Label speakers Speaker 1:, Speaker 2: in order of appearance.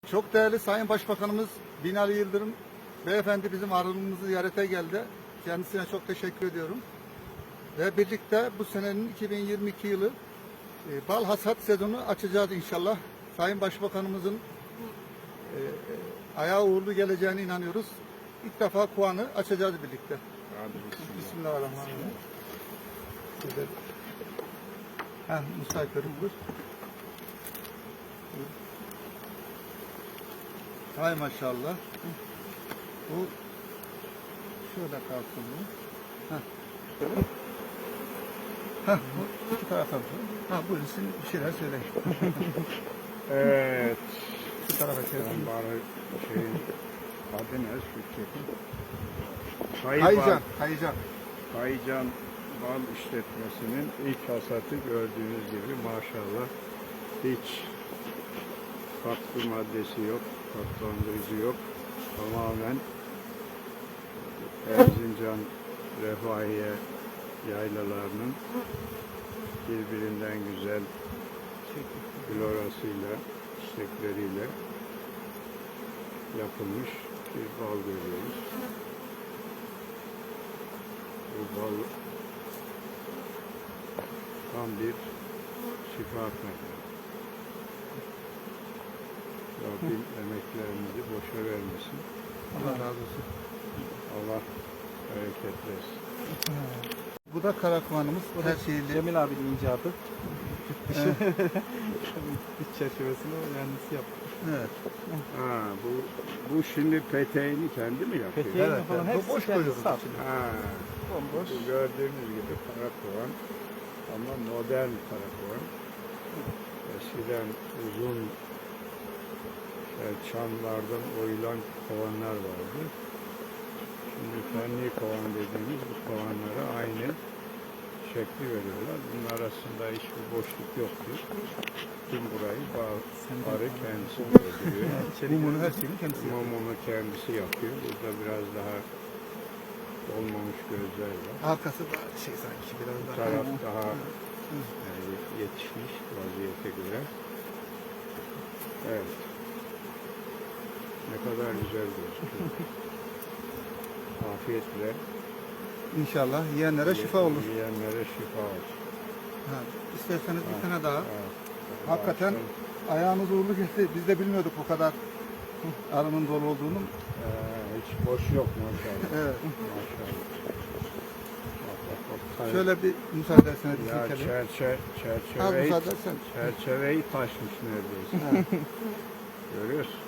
Speaker 1: Çok değerli Sayın Başbakanımız Binali Yıldırım Beyefendi bizim Arınımızı ziyarete geldi. Kendisine çok teşekkür ediyorum. Ve birlikte bu senenin 2022 yılı bal hasat sezonu açacağız inşallah. Sayın Başbakanımızın ayağı uğurlu geleceğine inanıyoruz. İlk defa Kuan'ı açacağız birlikte. Bismillahirrahmanirrahim. Musa Kerim buyur. Hay maşallah. Bu şöyle kalsın bu. Bu iki tarafa. Buyurun siz bir şeyler söyleyin.
Speaker 2: Evet.
Speaker 1: Şu tarafa çevirin.
Speaker 2: Bari adı ne? Kayıcan Bal İşletmesi'nin ilk hasatı gördüğünüz gibi maşallah hiç katkı maddesi yok, tatlandırıcı yok. Tamamen Erzincan Refahiye yaylalarının birbirinden güzel florasıyla, çiçekleriyle yapılmış bir bal görüyoruz. Bu bal tam bir şifa kaynağı. Rabbim emeklerimizi boşa vermesin.
Speaker 1: Allah razı olsun.
Speaker 2: Allah bereket versin.
Speaker 1: Bu da Karakuan'ımız. Her şeyli.
Speaker 3: Cemil abinin icabı. İç çerçevesini kendisi yaptı.
Speaker 1: Evet.
Speaker 2: Bu şimdi peteğini kendi mi yapıyor?
Speaker 3: Peteğini
Speaker 1: Evet,
Speaker 3: falan
Speaker 1: evet. Bu
Speaker 3: hepsi
Speaker 1: boş
Speaker 3: kendisi
Speaker 1: koyuyoruz
Speaker 3: yaptı.
Speaker 2: Bu gördüğünüz gibi karakovan ama modern karakovan. Eskiden uzun çamlardan oyulan kovanlar vardı. Şimdi fenli kovan dediğimiz bu kovanlara aynı şekli veriyorlar. Bunun arasında hiçbir boşluk yoktur. Tüm burayı arı kendisi dolduruyor.
Speaker 1: Mumunu her şeyini kendisi yapıyor.
Speaker 2: Mumunu kendisi yapıyor. Burada biraz daha olmamış gözler var.
Speaker 1: Arkası da sanki biraz
Speaker 2: Bu
Speaker 1: daha.
Speaker 2: taraf daha yetişmiş vaziyete göre. Evet. Ne kadar güzel gözüküyor. Afiyetle.
Speaker 1: İnşallah yiyenlere şifa olur.
Speaker 2: Yiyenlere şifa olsun.
Speaker 1: İsterseniz bir tane daha.
Speaker 2: Evet.
Speaker 1: Hakikaten ayağınız uğurlu geçti. Biz de bilmiyorduk bu kadar arının dolu olduğunu.
Speaker 2: Hiç boş yok maşallah.
Speaker 1: Evet.
Speaker 2: Maşallah. Bak.
Speaker 1: Şöyle bir müsaade etseniz bir
Speaker 2: Ya
Speaker 1: silkelim. Az
Speaker 2: çerçeveyi
Speaker 1: müsaade etsen.
Speaker 2: taşmış neredeyse. Görüyorsun.